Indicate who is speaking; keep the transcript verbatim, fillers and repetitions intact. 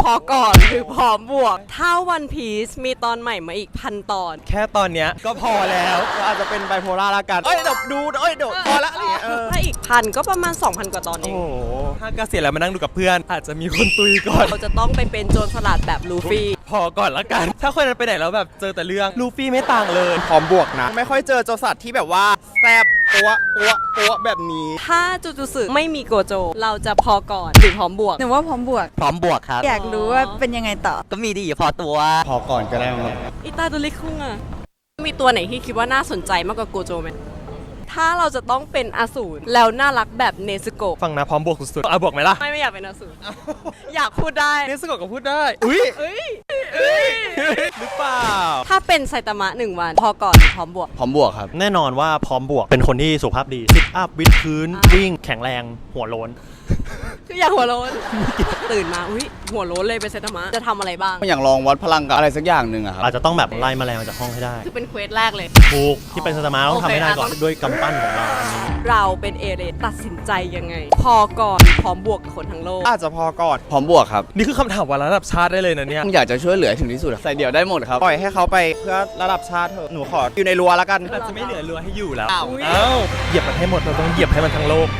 Speaker 1: อก่อนหรือพร้อมบวกถ้าวันพีซมีตอนใหม่มาอีกพันตอน
Speaker 2: แค่ตอนเนี้ยก็พอแล้วก็อาจจะเป็นไบโพล่าละกันเอ้ยเดี๋ยวดูเอ้ยเดี๋ยวพอละอะไรเงี้ย
Speaker 1: ถ้าอีกพันก็ประมาณ สองพัน กว่าตอนเอ
Speaker 2: โอ้
Speaker 1: ง
Speaker 2: โหถ้าเกษียณแล้วมานั่งดูกับเพื่อนอาจจะมีคนตุยก่อน
Speaker 1: เราจะต้องไปเป็นโจรสลัดแบบลูฟี่
Speaker 2: พอก่อนละกันถ้าคนนั้นไปไหนแล้วแบบเจอแต่เรื่องลูฟี่ไม่ต่างเลย
Speaker 3: พร้อมบวกนะไม่ค่อยเจอโจรสัตว์ที่แบบว่าแซบปัวปัวปัวแบบนี้
Speaker 1: ถ้าจูจูสึไม่มีโกโจเราจะพอก่อนหรือพร้อมบวก
Speaker 4: หนูว่าพร้อมบวก
Speaker 5: พร้อมบวกครับ
Speaker 4: อยากรู้ว่าเป็นยังไงต่อ
Speaker 5: ก็มีดีพอตัว
Speaker 3: พอก่อนก็ได้มั้ง
Speaker 1: อิตาดูริคุงอะมีตัวไหนที่คิดว่าน่าสนใจมากกว่าโกโจไหมถ้าเราจะต้องเป็นอสูรแล้วน่ารักแบบเนซึโกะ
Speaker 2: ฟังนะพร้อมบวกสุดๆอ่ะบวกไหมล่ะ
Speaker 1: ไม่ไม่อยากเป็นอสูรอยากพูดได้
Speaker 2: เนสโกะก็พูดได้อุ้ย
Speaker 1: เอ้ยเอ้ย
Speaker 2: หรือเปล่า
Speaker 1: ถ้าเป็นไซตามะหนึ่งวันพอก่อนหรือพร้อมบวก
Speaker 3: พร้อมบวกครับ
Speaker 6: แน่นอนว่าพร้อมบวกเป็นคนที่สุขภาพดีซิทอัพวิดพื้น
Speaker 1: อ่า
Speaker 6: วิ่งแข็งแรงหัวโล้น
Speaker 1: คืออยากหัวโล้น ตื่นมาอุ้ยหัวโล้นเลยเป็นไซตามะจะทำอะไรบ้าง
Speaker 3: อยากลองวัดพลังกับอะไรสักอย่างหนึ่งอะครับ
Speaker 6: อาจจะต้องแบบไล่แมลงออกจากห้องให้ได้
Speaker 1: คือเป็นเควสแรกเลย
Speaker 6: ถูกที่เป็นสตาร์มาต้องทำให้ได้ก่อน
Speaker 1: โอเคอ่ะ
Speaker 6: ด้วยกำปั้นของเราอันนี้
Speaker 1: เราเป็นเอเรตัดสินใจยังไง พอก่อนพร้อมบวกกับคนทั้งโลก
Speaker 3: อาจจะพอก่อนพร้อมบวกครับ
Speaker 2: นี่คือคำถามวันระดับชาติได้เลยนะเนี่ย
Speaker 3: อยากจะช่วยเหลือถึงที่สุดใส่เดี่ยวได้หมดครับปล่อยให้เขาไปเพื่อระดับชาติเถอะหนูขออยู่ในรั้วแล้วกัน
Speaker 2: อาจจะไม่เหลือเรือให้อยู่แล้ว
Speaker 3: อ้าว
Speaker 2: เอ้าเหยียบมันให้หมดเราต้องเหยียบให้มันทั้งโลก